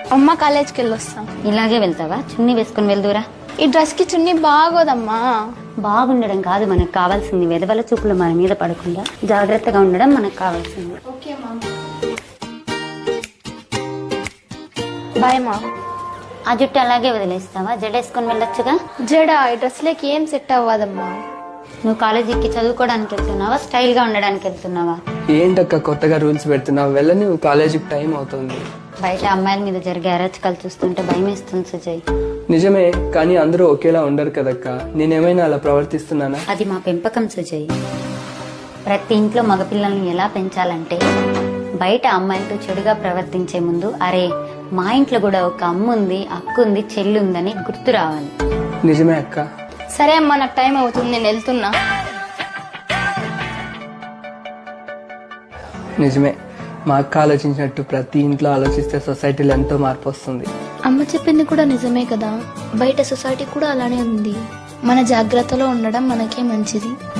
అమ్మ కాలేజ్కి వెళ్ళొస్తాం. ఇలాగే వెళ్తావా? చున్నీ వేసుకుని వెళ్దురా. ఈ డ్రెస్ కి చున్నీ బాగోదమ్మా. బాగుండడం కాదు మనకు కావాల్సింది, వెదవల చూపులు మన మీద పడకుండా జాగ్రత్తగా ఉండడం మనకు కావాల్సింది. బాయ్ మా. ఆ జుట్టు అలాగే వదిలేస్తావా? జడేసుకొని వెళ్ళొచ్చుగా. జడ ఈ డ్రెస్ లేకి ఏం సెట్ అవ్వదమ్మా. నువ్వు కాలేజీకి చదువుకోవడానికి వెళ్తున్నావా, స్టైల్ గా ఉండడానికి వెళ్తున్నావా? ఏంటక్క కొత్తగా రూల్స్ పెడుతున్నావు? వెళ్ళని కాలేజీకి టైం అవుతుంది. బయట అమ్మాయిల మీద జరిగే అరాచకాలు చూస్తుంటే భయం వేస్తుంది సుజయ్. నిజమే, కానీ అందరూ ఒకేలా ఉండరు కదక్క. నేనేమైనా అలా ప్రవర్తిస్తున్నానా? అది మా పెంపకం సుజయ్. ప్రతి ఇంట్లో మగపిల్లల్ని ఎలా పెంచాలంటే బయట అమ్మాయిలతో చెడుగా ప్రవర్తించే ముందు అరే మా ఇంట్లో కూడా ఒక అమ్ముంది, అక్కుంది, చెల్లుందని గుర్తు రావాలి. నిజమే అక్క. సరే అమ్మా, నాకు టైం అవుతుంది, నేను వెళ్తున్నా. నిజమే, మా అక్క ఆలోచించినట్టు ప్రతి ఇంట్లో ఆలోచిస్తే సొసైటీలో ఎంతో మార్పు వస్తుంది. అమ్మ చెప్పింది కూడా నిజమే కదా, బయట సొసైటీ కూడా అలానే ఉంది. మన జాగ్రత్తలో ఉండడం మనకే మంచిది.